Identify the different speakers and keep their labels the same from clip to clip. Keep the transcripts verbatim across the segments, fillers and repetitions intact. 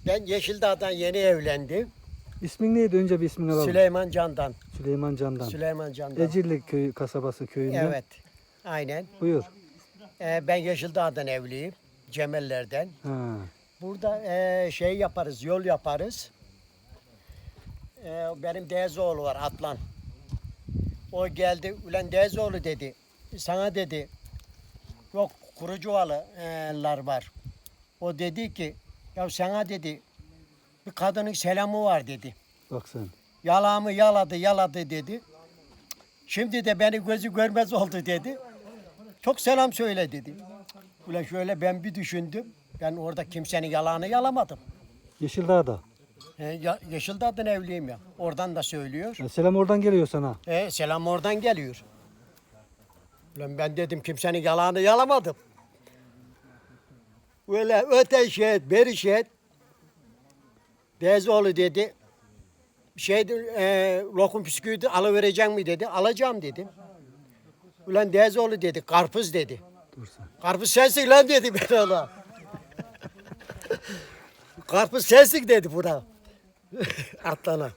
Speaker 1: Ben Yeşildağ'dan yeni evlendim.
Speaker 2: İsmin neydi? Önce bir ismini alalım.
Speaker 1: Süleyman Can'dan.
Speaker 2: Süleyman Can'dan.
Speaker 1: Süleyman Can'dan.
Speaker 2: Ecirli köyü, kasabası köyünden.
Speaker 1: Evet. Aynen.
Speaker 2: Buyur.
Speaker 1: Ee, ben Yeşildağ'dan evliyim. Cemeller'den.
Speaker 2: Ha.
Speaker 1: Burada e, şey yaparız, yol yaparız. E, benim Dezoğlu var, Atlan. O geldi, ulan Dezoğlu dedi. Sana dedi, yok Kurucuvalılar var. O dedi ki, ya sana dedi, bir kadının selamı var dedi.
Speaker 2: Bak sen.
Speaker 1: Yalağımı yaladı, yaladı dedi. Şimdi de beni gözü görmez oldu dedi. Çok selam söyle dedi. Ulan şöyle ben bir düşündüm. Ben orada kimsenin yalağını yalamadım.
Speaker 2: Yeşildağ'da.
Speaker 1: E, ya, Yeşildağ'dan evliyim ya. Oradan da söylüyor.
Speaker 2: Ya selam oradan geliyor sana.
Speaker 1: E, selam oradan geliyor. Ulan ben dedim kimsenin yalağını yalamadım. Öyle öte şey, beri şey. Dezoğlu dedi. Şey, e, lokum püsküvü alıvereceğim mi dedi. Alacağım dedim. Ulan Dezoğlu dedi. Karpuz dedi.
Speaker 2: Dur sen.
Speaker 1: Karpuz sensin lan dedi ben ona. Karpuz sensin dedi buna. Atlana.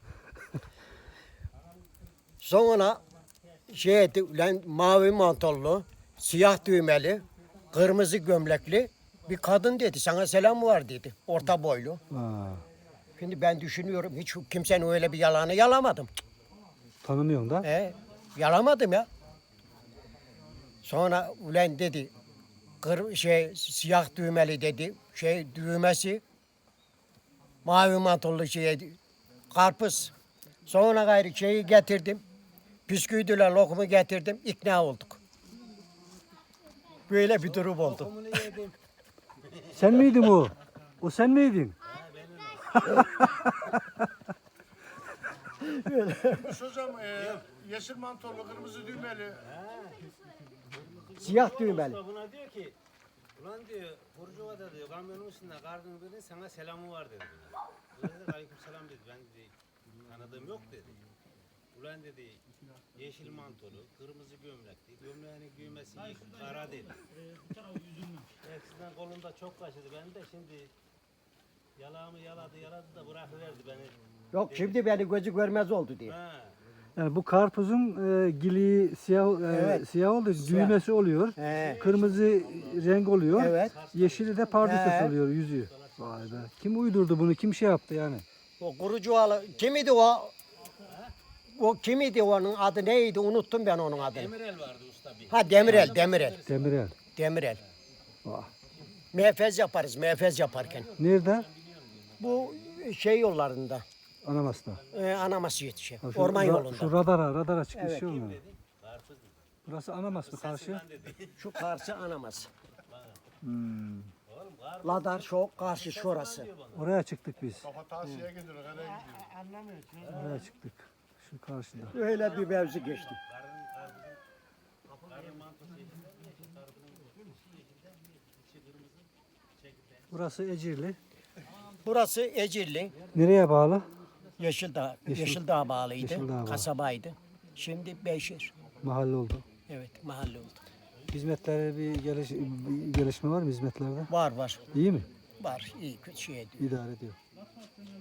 Speaker 1: Sonra şey etti, ulan mavi mantollu, siyah düğmeli, kırmızı gömlekli bir kadın dedi. Sana selam var dedi. Orta boylu.
Speaker 2: Ha.
Speaker 1: Şimdi ben düşünüyorum hiç kimsenin öyle bir yalanı yalamadım.
Speaker 2: Tanımıyorsun da.
Speaker 1: E, yalamadım ya. Sonra ulan dedi, kır, şey siyah düğmeli dedi, şey düğmesi, mavi mantollu şey, karpuz. Sonra gayrı şeyi getirdim, püsküydüler lokumu getirdim, ikna olduk. Böyle bir durum oldu.
Speaker 2: Sen miydin o? O sen miydin?
Speaker 3: Hocam e, yeşil mantolu, kırmızı düğmeli.
Speaker 1: Siyah düğmeli.
Speaker 4: Buna diyor ki, ulan diyor, Burcuva'da diyor, kamyonun üstünde kardın birinin sana selamı var dedi. Ulan dedi, aleyküm selam dedi, ben dedi, tanıdığım yok dedi. Ulan dedi, yeşil mantolu, kırmızı gömlekti, gömleğinin düğmesi kara dedi. Hepsinden kolunda çok kaşıdı, ben de şimdi yalağımı yaladı, yaladı da bırakıverdi beni.
Speaker 1: Yok şimdi beni gözü görmez oldu diye.
Speaker 4: Ha.
Speaker 2: Yani bu karpuzun e, giliği siyah e,
Speaker 1: Evet.
Speaker 2: siyah oluyor,
Speaker 1: Siyah.
Speaker 2: düğmesi oluyor.
Speaker 1: He.
Speaker 2: Kırmızı renk oluyor.
Speaker 1: Evet.
Speaker 2: Yeşili de pardüsesi
Speaker 1: He.
Speaker 2: oluyor yüzüğü. Vay be. Kim uydurdu bunu? Kim şey yaptı yani?
Speaker 1: O Kurucuvalı, kimidi o? O kimidi onun adı neydi? Unuttum ben onun adını.
Speaker 4: Demirel vardı usta bir.
Speaker 1: Ha Demirel, Demirel.
Speaker 2: Demirel.
Speaker 1: Demirel.
Speaker 2: Vah.
Speaker 1: Mehfez yaparız, mehfez yaparken.
Speaker 2: Nerede?
Speaker 1: Bu şey yollarında,
Speaker 2: Anamas'ta.
Speaker 1: e, anaması yetişiyor.
Speaker 2: Ha, şu
Speaker 1: Orman
Speaker 2: ra-
Speaker 1: yolunda.
Speaker 2: Şu radara, radara çıkmış
Speaker 1: Evet.
Speaker 2: şey olmuyor. Burası Anamas mı karşı?
Speaker 1: Şu karşı anaması.
Speaker 2: Hmm.
Speaker 1: Ladar şu karşı şurası.
Speaker 2: Oraya çıktık biz.
Speaker 3: Kafa tavsiye gidiyor, nereye gidiyor?
Speaker 2: Oraya çıktık. Şu karşıda.
Speaker 1: Öyle bir mevzu geçti.
Speaker 2: Burası Ecirli.
Speaker 1: Burası Ecirli,
Speaker 2: Nereye bağlı?
Speaker 1: Yeşildağ,
Speaker 2: Yeşil-
Speaker 1: Yeşildağ bağlıydı,
Speaker 2: Yeşildağ bağlı.
Speaker 1: kasabaydı. Şimdi Beyşehir.
Speaker 2: Mahalle oldu.
Speaker 1: Evet, mahalle oldu.
Speaker 2: Hizmetlere bir, geliş, bir gelişme var mı hizmetlerde?
Speaker 1: Var var,
Speaker 2: İyi mi?
Speaker 1: var. İyi kötü şey ediyor.
Speaker 2: İdare ediyor.